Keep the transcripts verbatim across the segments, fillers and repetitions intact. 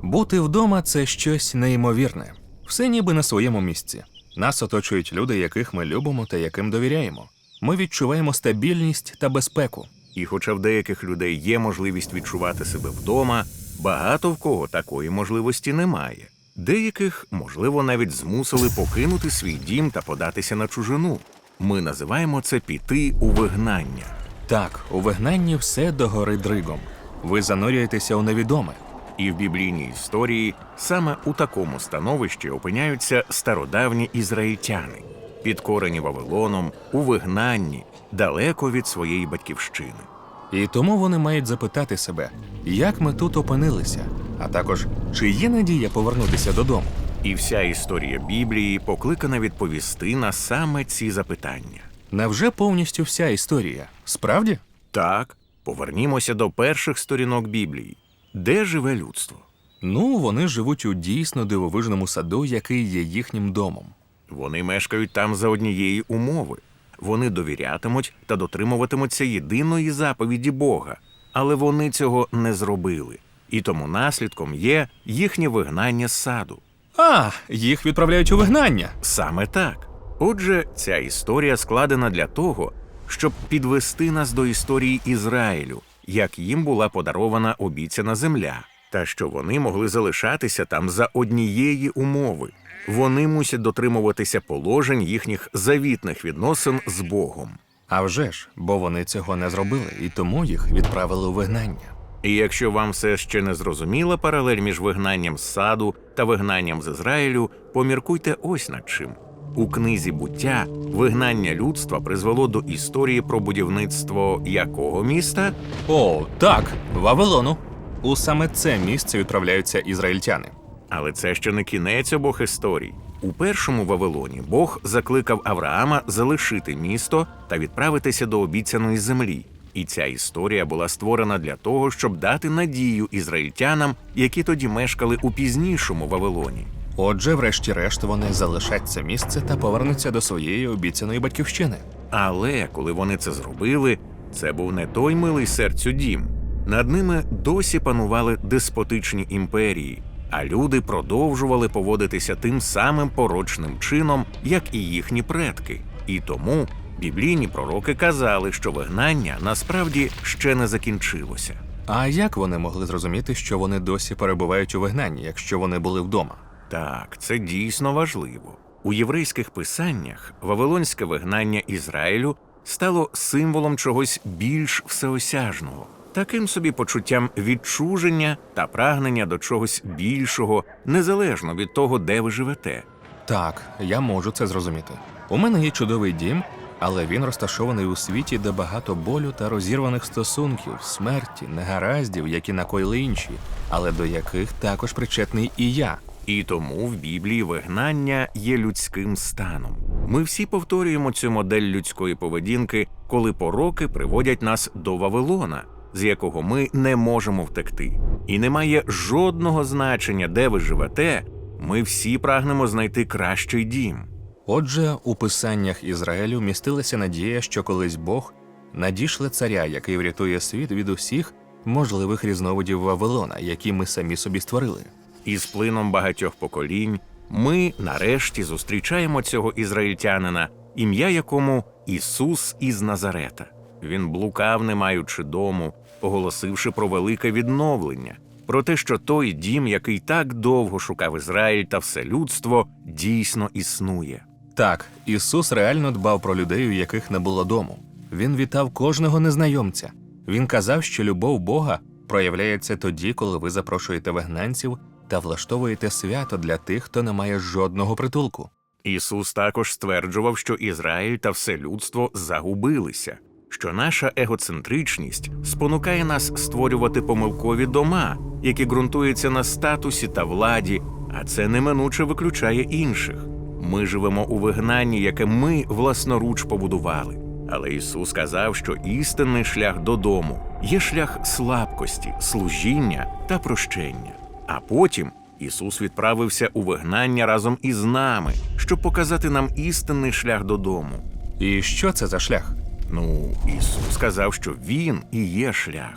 Бути вдома – це щось неймовірне. Все ніби на своєму місці. Нас оточують люди, яких ми любимо та яким довіряємо. Ми відчуваємо стабільність та безпеку. І хоча в деяких людей є можливість відчувати себе вдома, багато в кого такої можливості немає. Деяких, можливо, навіть змусили покинути свій дім та податися на чужину. Ми називаємо це піти у вигнання. Так, у вигнанні все догори дригом. Ви занурюєтеся у невідоме. І в біблійній історії саме у такому становищі опиняються стародавні ізраїльтяни, підкорені Вавилоном, у вигнанні, далеко від своєї батьківщини. І тому вони мають запитати себе, як ми тут опинилися, а також, чи є надія повернутися додому. І вся історія Біблії покликана відповісти на саме ці запитання. Невже повністю вся історія? Справді? Так, повернімося до перших сторінок Біблії. Де живе людство? Ну, вони живуть у дійсно дивовижному саду, який є їхнім домом. Вони мешкають там за однієї умови. Вони довірятимуть та дотримуватимуться єдиної заповіді Бога. Але вони цього не зробили. І тому наслідком є їхнє вигнання з саду. А, їх відправляють у вигнання. Саме так. Отже, ця історія складена для того, щоб підвести нас до історії Ізраїлю, як їм була подарована обіцяна земля, та що вони могли залишатися там за однієї умови. Вони мусять дотримуватися положень їхніх завітних відносин з Богом. А вже ж, бо вони цього не зробили, і тому їх відправили у вигнання. І якщо вам все ще не зрозуміла паралель між вигнанням з саду та вигнанням з Ізраїлю, поміркуйте ось над чим. У книзі «Буття» вигнання людства призвело до історії про будівництво якого міста? О, так, Вавилону. У саме це місце відправляються ізраїльтяни. Але це ще не кінець обох історій. У першому Вавилоні Бог закликав Авраама залишити місто та відправитися до обіцяної землі. І ця історія була створена для того, щоб дати надію ізраїльтянам, які тоді мешкали у пізнішому Вавилоні. Отже, врешті-решт, вони залишать це місце та повернуться до своєї обіцяної батьківщини. Але коли вони це зробили, це був не той милий серцю дім. Над ними досі панували деспотичні імперії, а люди продовжували поводитися тим самим порочним чином, як і їхні предки. І тому біблійні пророки казали, що вигнання насправді ще не закінчилося. А як вони могли зрозуміти, що вони досі перебувають у вигнанні, якщо вони були вдома? Так, це дійсно важливо. У єврейських писаннях вавилонське вигнання Ізраїлю стало символом чогось більш всеосяжного, таким собі почуттям відчуження та прагнення до чогось більшого, незалежно від того, де ви живете. Так, я можу це зрозуміти. У мене є чудовий дім, але він розташований у світі, де багато болю та розірваних стосунків, смерті, негараздів, які накоїли інші, але до яких також причетний і я. І тому в Біблії вигнання є людським станом. Ми всі повторюємо цю модель людської поведінки, коли пороки приводять нас до Вавилона, з якого ми не можемо втекти. І немає жодного значення, де ви живете, ми всі прагнемо знайти кращий дім. Отже, у писаннях Ізраїлю містилася надія, що колись Бог надішле царя, який врятує світ від усіх можливих різновидів Вавилона, які ми самі собі створили. І з плином багатьох поколінь ми, нарешті, зустрічаємо цього ізраїльтянина, ім'я якому Ісус із Назарета. Він блукав, не маючи дому, оголосивши про велике відновлення, про те, що той дім, який так довго шукав Ізраїль та все людство, дійсно існує. Так, Ісус реально дбав про людей, у яких не було дому. Він вітав кожного незнайомця. Він казав, що любов Бога проявляється тоді, коли ви запрошуєте вигнанців та влаштовуєте свято для тих, хто не має жодного притулку. Ісус також стверджував, що Ізраїль та все людство загубилися, що наша егоцентричність спонукає нас створювати помилкові дома, які ґрунтуються на статусі та владі, а це неминуче виключає інших. Ми живемо у вигнанні, яке ми власноруч побудували. Але Ісус сказав, що істинний шлях додому є шлях слабкості, служіння та прощення. А потім Ісус відправився у вигнання разом із нами, щоб показати нам істинний шлях додому. І що це за шлях? Ну, Ісус сказав, що Він і є шлях.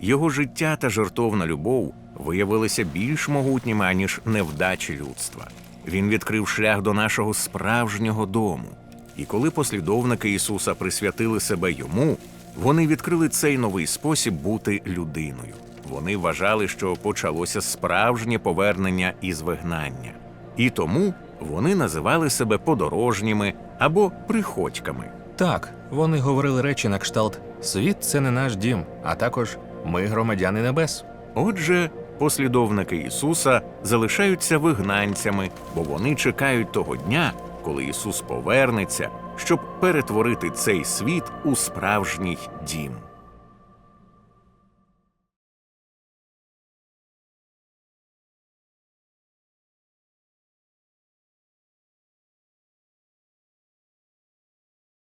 Його життя та жертовна любов виявилися більш могутніми, аніж невдачі людства. Він відкрив шлях до нашого справжнього дому. І коли послідовники Ісуса присвятили себе Йому, вони відкрили цей новий спосіб бути людиною. Вони вважали, що почалося справжнє повернення із вигнання. І тому вони називали себе подорожніми або приходьками. Так, вони говорили речі на кшталт «Світ – це не наш дім», а також «Ми – громадяни небес». Отже, послідовники Ісуса залишаються вигнанцями, бо вони чекають того дня, коли Ісус повернеться, щоб перетворити цей світ у справжній дім.